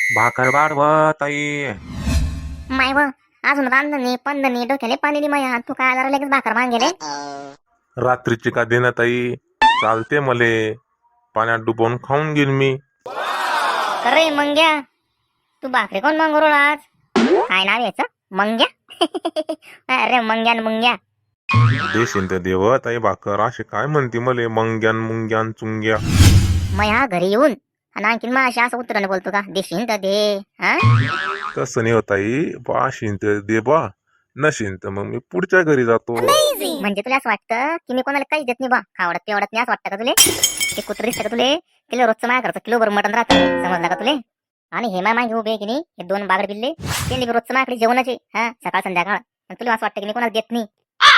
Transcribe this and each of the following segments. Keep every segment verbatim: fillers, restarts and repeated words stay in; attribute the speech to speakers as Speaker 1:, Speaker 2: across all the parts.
Speaker 1: भाकर वाढव ताई.
Speaker 2: माय व अजून रांधणी पंधनी डोक्याले पाणी दे माया. तू काय आला लगेच भाकर मागेले.
Speaker 1: रात्रीची का देना ताई, चालते मले. पाण्यात डुबवून खाऊन घेईन मी.
Speaker 2: अरे मंग्या, तू भाकरी कोण मागू राहिला आज? काय नाव याचं? मंग्या? अरे मंग्या न मुंग्या.
Speaker 1: देशील तर देव ताई भाकर, असे काय म्हणते मले मंग्यान मुंग्यान चुंग्या.
Speaker 2: मया घरी येऊन आणि आणखीन माझ्या असं उत्तराने बोलतो का? देशील तर दे. हा
Speaker 1: तसं नाही होत ताई, पाशीन तर दे बा, नशीन तर मग मी पुढच्या घरी जातो.
Speaker 2: म्हणजे तुला असं वाटतं की मी कोणाला काहीच देत नाही बा, खावडत तेवढत नाही असं वाटतं का तुले? ते कुत्र दिसतं का तुले? किलो रोजचं माझ्या घरचं किलो भर मटण राहतं, समजलं का तुले? आणि हे माय मागे उभे आहे की नाही, हे दोन बागड बिल्ले, ते रोजचं माझ्याकडे जेवणाचे हा सकाळ संध्याकाळ. आणि तुला असं वाटतं की मी कोणाला देत नाही?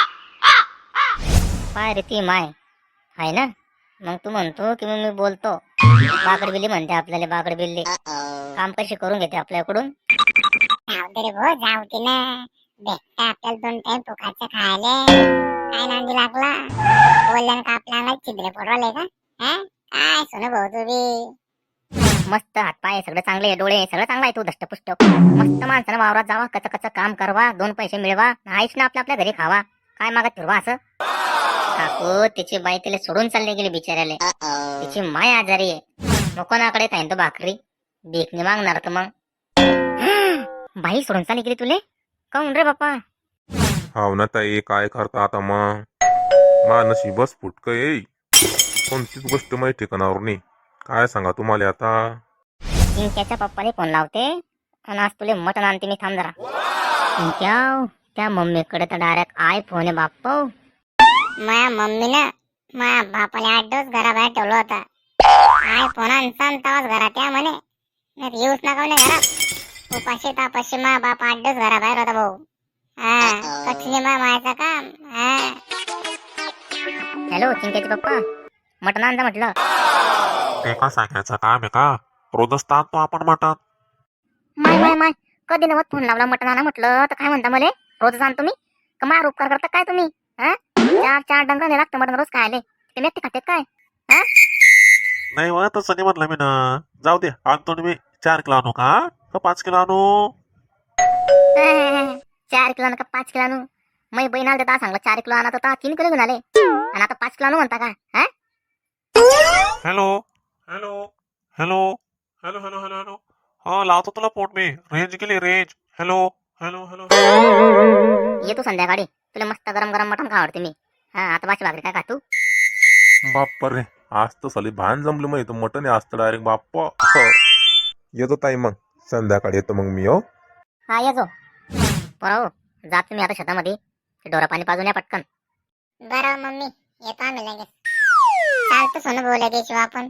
Speaker 2: पाय रे ती माय आहे ना, मग तू म्हणतो की मग मी बोलतो. बागड बिल्ली म्हणते आपल्याला, बागड बिल्ली काम कशी करून घेते आपल्याकडून.
Speaker 3: जाऊ दे रे भो, जाऊ दे ना. भेटता आपल्याला दोन टाइम फुकाचं खायला. काय नांदी लागला? बोलल्यानं का आपल्या अंगात छिद्रे पडवले का? हा काय सोनं भाऊ तुम्ही?
Speaker 2: मस्त हात पाय सगळं चांगले, डोळे सगळं चांगलं आहे. तू दष्टपुष्ट मस्त माणसानं वावरात जावा, कच कच काम करवा, दोन पैसे मिळवा, आईश ना आपल्या आपल्या घरी खावा. काय मागत फिरवा असं? काकू तिची बाई तिला सोडून चालली गेली बिचाऱ्याला. तिची माय आजारी आहे, मग कोणाकडे खाईन तो भाकरी? देखणी मागणार तर मग. बाई सोडून चालली गेली तुले? काऊन रे बाप्पा?
Speaker 1: हाव ना ताई, काय करता आता मग. मा नशीबच फुटकं येई, कोणतीच गोष्ट माहिती ठिकाणावर नाही. काय सांगा तुम्हाला आता.
Speaker 2: चिंक्याच्या पप्पाने फोन लावते आणि आज तुले मटण आणते मी, थांब जरा. चिंक्या, त्या मम्मीकडे तर डायरेक्ट आय फोन आहे बाप्प.
Speaker 3: माया मम्मीनं माया बापाला आठ दिवस घराबाहेर ठेवलं होता. आय फोन आणसान तवाच घरात या म्हणे, नाही येऊच नका म्हणे घरात. उपाशी तापाशी मा बाप आठ दिवस घराबाहेर होता भाऊ. हा कठीण मा मायचं काम. हा
Speaker 2: हॅलो चिंक्याचे पप्पा, मटण आणजा म्हटलं.
Speaker 1: ते का सांगायचं काम आहे का? रोजच ताणतो आपण मटण.
Speaker 2: माय माय माय, कधी नवत फोन लावला मटण आणा म्हटलं तर काय म्हणता मले? रोजच आणतो मी का? मार उपकार करता काय तुम्ही? हा चार चार डंगाने लागतं मटण रोज खायले, ते मेटे खाते काय? हा
Speaker 1: नाही वा, तसं नाही म्हटलं मी ना. जाऊ दे, आणतो ना मी. चार किलो आणू का का पाच किलो आणू?
Speaker 2: चार किलो का पाच किलो आणू? मै बहीण आले तर सांगलं चार किलो आणत होता, तीन किलो घेऊन आले आणि आता पाच किलो आणू म्हणता का? हा
Speaker 1: hello hello hello hello hello hello hello हा, लावतो तुला फोन मी. रेंज गेली रेंज. Hello hello hello.
Speaker 2: येतो संध्याकाळी, तुला मस्त गरम गरम मटण आवडते मी. हा आता बाशी भाकरी काय खातू?
Speaker 1: बाप्पा रे, आज तर साली भान जमलं मग. इथं मटण आहे आज तर डायरेक्ट बाप्पा. येतो ताई मग, संध्याकाळी येतो मग मी. हो
Speaker 2: हा येतो बरोबर. जात तुम्ही आता शेतामध्ये, ते डोरा पाणी पाजून या पटकन.
Speaker 3: बरं मम्मी, येतो आम्ही लगेच. चालतं सोनं भाऊ लगेच येऊ आपण.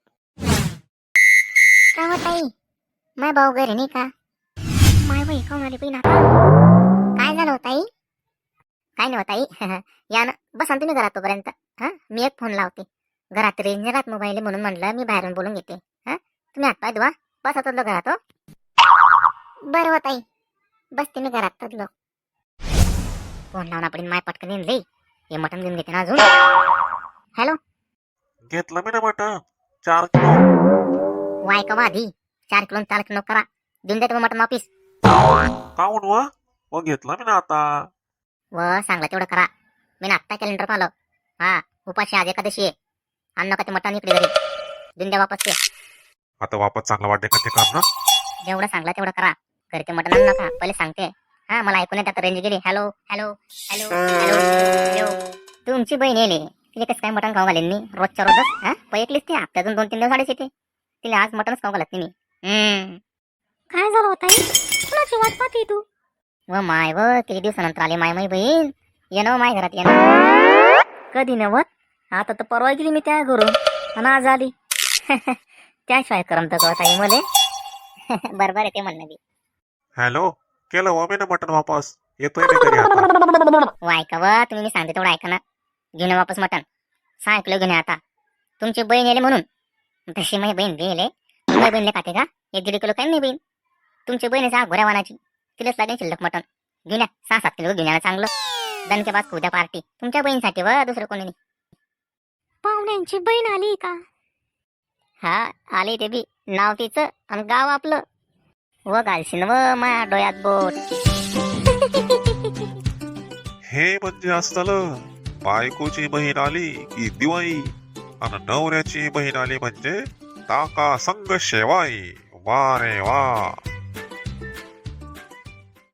Speaker 2: काय होत आई? माय भाऊ घरी नाही का? माय बाई खाऊन आली बहीण आता. काय झालं होत आई? काय नाही होत आई. या ना, बसा ना तुम्ही घरात तोपर्यंत. हा मी एक फोन लावते. घरात रेंज नाही राहत मोबाईल म्हणून म्हणलं मी बाहेरून बोलून घेते. हा तुम्ही हात पाय धुवा, बसा तदलो घरात. हो बरं होत आई, बसते मी घरात तदलो. फोन लावून आपण माय पटकन येऊन लई, हे मटण घेऊन घेते ना अजून. हॅलो,
Speaker 1: घेतलं मी ना मटण चार किलो.
Speaker 2: वाय का आधी चार किलो चार किलो करा, देऊन द्या तुम्ही मटण वापिस.
Speaker 1: काऊन व व घेतलं मी ना आता.
Speaker 2: व सांगला तेवढं करा. मी ना आत्ता कॅलेंडर पाहिलं. हा उपाशी आज एकादशी आहे, अन्न का ते मटण इकडे घरी देऊन द्या वापस ते.
Speaker 1: आता वापस चांगला वाटते का ते काम ना?
Speaker 2: जेवढं सांगला तेवढं करा. घरी ते मटण आणू नका, पहिले सांगते. हा मला ऐकून येत आता रेंज गेली. Hello hello hello hello hello. तुमची बहीण येले, तिला कसं काय मटण खाऊ घालेन मी रोजच्या रोजच? हा पैकलीच ती हप्त्यातून दोन तीन दिवस आडीच येते, तिला आज मटणच खाऊ घालत नाही मी. हम्म काय झालं होत आई? कुणाची वाट पाहते तू? व माय व किती दिवसानंतर आली माय माई बहीण. ये ना माय घरात, ये ना. कधी नवत, आता तर परवा गेली मी त्या घरून आणि आज आली. त्याशिवाय करमत का आई मले? बरोबर आहे ते म्हणणं बी.
Speaker 1: हॅलो, केलं व मी ना मटण वापस. येतोय मी घरी आता.
Speaker 2: व ऐका व तुम्ही, मी सांगते तेवढं ऐका ना. घेऊन या वापस मटण, सहा किलो घेऊन या आता. तुमची बहीण येले म्हणून. तशी माझी बहीण गेले, माझी बहीणले खाते का? एक दीड किलो काय नाही बहीण. तुमची बहीण आहे घोड्या वानाची, तिलाच लागेल शिल्लक मटण. घेऊन या सहा सात किलो घेऊन या चांगलं. दणके पास उद्या पार्टी तुमच्या बहीणसाठी व दुसरं कोणी नाही. पाहुण्यांची बहीण आली का? हा आली ते बी, नाव तिचं आणि गाव आपलं. व घालशील व माया डोळ्यात बोट.
Speaker 4: हे म्हणजे असं झालं. बायकोची बहीण आली की दिवाळी आणि नवऱ्याची बहीण आली म्हणजे ताका संग शेवाई. वा रे वा.